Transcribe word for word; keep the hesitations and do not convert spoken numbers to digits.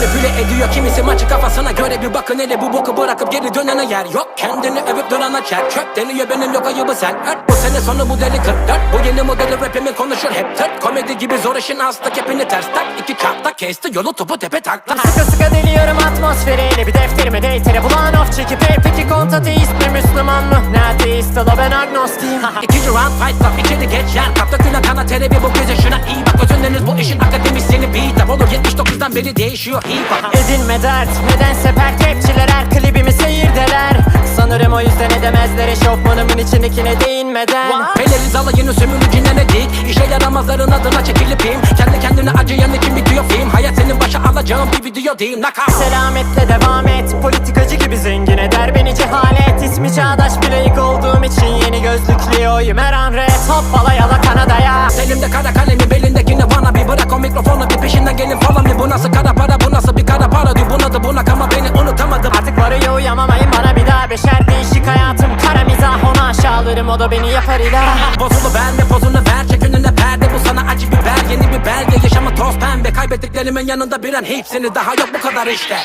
manipüle ediyor kimisi maçı kafasına göre. Bir bakın hele bu boku bırakıp geri dönene yer yok. Kendini övüp durana çer çöp deniyor, benim yok ayıbı sen ört. Bu sene sonu bu deli kırk dört. Bu yeni modeli rapimin konuşur hep tırt. Komedi gibi zor işin hasta kepini ters tak. İki çarpta kesti yolu topu tepe taktı. Sıkı sıkı deliyorum atmosferiyle, bir defterime deytere bulan of çekip hey, peki kontateist mi Müslüman mı? Ne ateist ola, ben agnostiyim. İkinci round fight stop, içeri geç yer kap. Dökülen kana tere bir bu göze şuna iyi bak. Özündeniz bu işin akademisyeni beat up olur. Yetmiş dokuzdan beri değişiyor hip hop. Edinme dert, nedense pert rapçiler her klibimi seyirdeler. Sanırım o yüzden edemezler eşofmanımın içindekine değinmeden. Peleriz alayını sömürücüne ne dik. İşe yaramazların adına çekilip im. Kendi kendine acıyan için bitiyor film. Hayat senin başa alacağın bir video değil, knockout. Selametle devam et, politikacı gibi zengin eder beni cehalet. İsmi çağdaş bir layık olduğum için yeni gözlüklüyüm her an rap. Hoppala yala Kanada'ya. Elimde kara kalemi, belindekini bana bir bırak o mikrofonu, bir peşinden gelin falan bir. Bu nasıl kara para, bu nasıl bir kara para diyor. Buna da bunak ama beni unutamadım. Artık varıyor uyamamayın bana bir daha. Beşer değişik hayatım kara mizah, onu aşağılarım o da beni yapar ilah. Bozulu verme pozunu ver, çek önüne perde. Bu sana acı biber, yeni bir belge. Yaşamı toz pembe, kaybettiklerimin yanında bir an hepsini daha yok bu kadar işte.